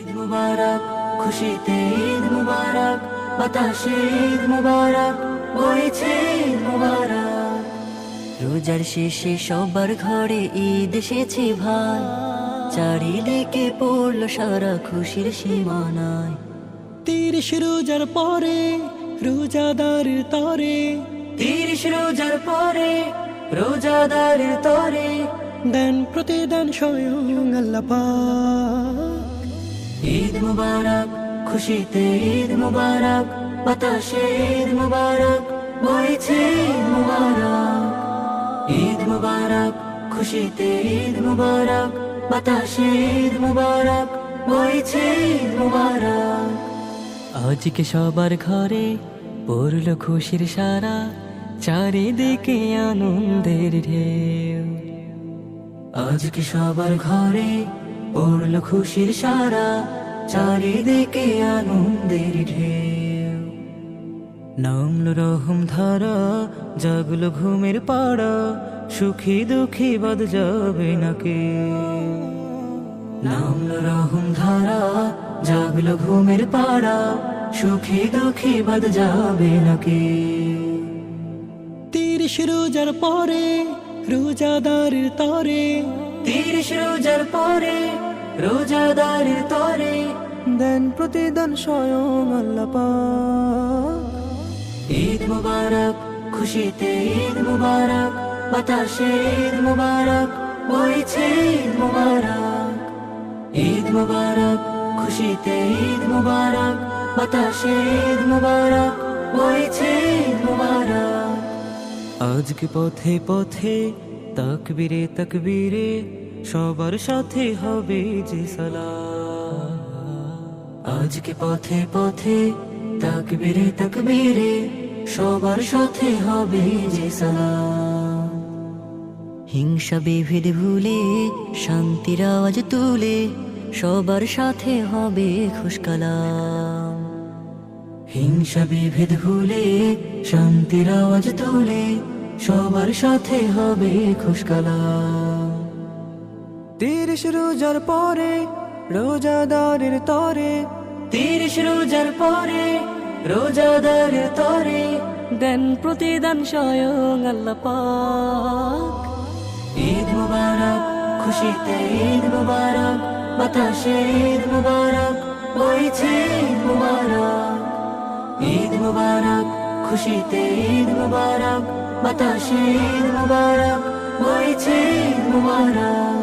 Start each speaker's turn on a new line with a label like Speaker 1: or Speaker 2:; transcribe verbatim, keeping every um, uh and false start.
Speaker 1: ঈদ মুবারক, খুশিতে ঈদ মুবারক, বাতাসে ঈদ মুবারক, বইছে ঈদ মুবারক। রোজার শেষে সবার ঘরে ঈদ এসেছে ভাই, চারিদিকে পড়লো সারা খুশির সীমানায়।
Speaker 2: তিরিশ রোজার পরে রোজাদারের তরে,
Speaker 1: তিরিশ রোজার পরে রোজাদারের তরে,
Speaker 2: দেন প্রতিদান স্বয়ং আল্লাহ পাক।
Speaker 1: ঈদ মুবারক, খুশিতে ঈদ মুবারক, বাতাসে ঈদ মুবারক, বইছে ঈদ মুবারক। ঈদ মুবারক, খুশিতে ঈদ মুবারক, বাতাসে ঈদ মুবারক, বইছে ঈদ মুবারক। আজকে সবার ঘরে পড়লো খুশির সারা, চারিদিকে আনন্দের ঢেউ। আজকে সবার ঘরে পড়লো খুশির সারা, চারিদিকে আনন্দের ঢেউ। নামলো রহম ধারা, জাগলো ঘুমের পাড়া, সুখী দুঃখী বাদ যাবে না কেউ। নামলো রহম ধারা, জাগলো ঘুমের পাড়া, সুখী দুঃখী বাদ যাবে না কেউ।
Speaker 2: তিরিশ রোজার পরে রোজাদারের তরে,
Speaker 1: তিরিশ রোজার পরে রোজাদারের তরে,
Speaker 2: দেন প্রতিদান স্বয়ং আল্লাহ পাক।
Speaker 1: ঈদ মুবারক, খুশিতে ঈদ মুবারক, বাতাসে ঈদ মুবারক, বইছে ঈদ মুবারক। ঈদ মুবারক, খুশিতে ঈদ মুবারক, বাতাসে ঈদ মুবারক, বইছে ঈদ মুবারক। আজকে পথে পথে তাকবীরে তাকবীরে সবার সাথে হবে যে সালাম। আজকে পথে পথে তাকবীরে তাকবীরে সবার সাথে হবে যে সালাম। হিংসা বিভেদ ভুলে শান্তির আওয়াজ তুলে সবার সাথে হবে খুশকালাম। হিংসা বিভেদ ভুলে শান্তির আওয়াজ তুলে সবার সাথে হবে খুশকালাম।
Speaker 2: তিরিশ রোজার পরে রোজাদারের তরে,
Speaker 1: তিরিশ রোজার পরে রোজাদারের তরে,
Speaker 2: দেন প্রতিদান স্বয়ং আল্লাহ পাক।
Speaker 1: ঈদ মুবারক, খুশিতে ঈদ মুবারক, বাতাসে ঈদ মুবারক, বইছে ঈদ মুবারক। ঈদ মুবারক, খুশিতে ঈদ মুবারক, বাতাসে ঈদ মুবারক, বইছে ঈদ মুবারক।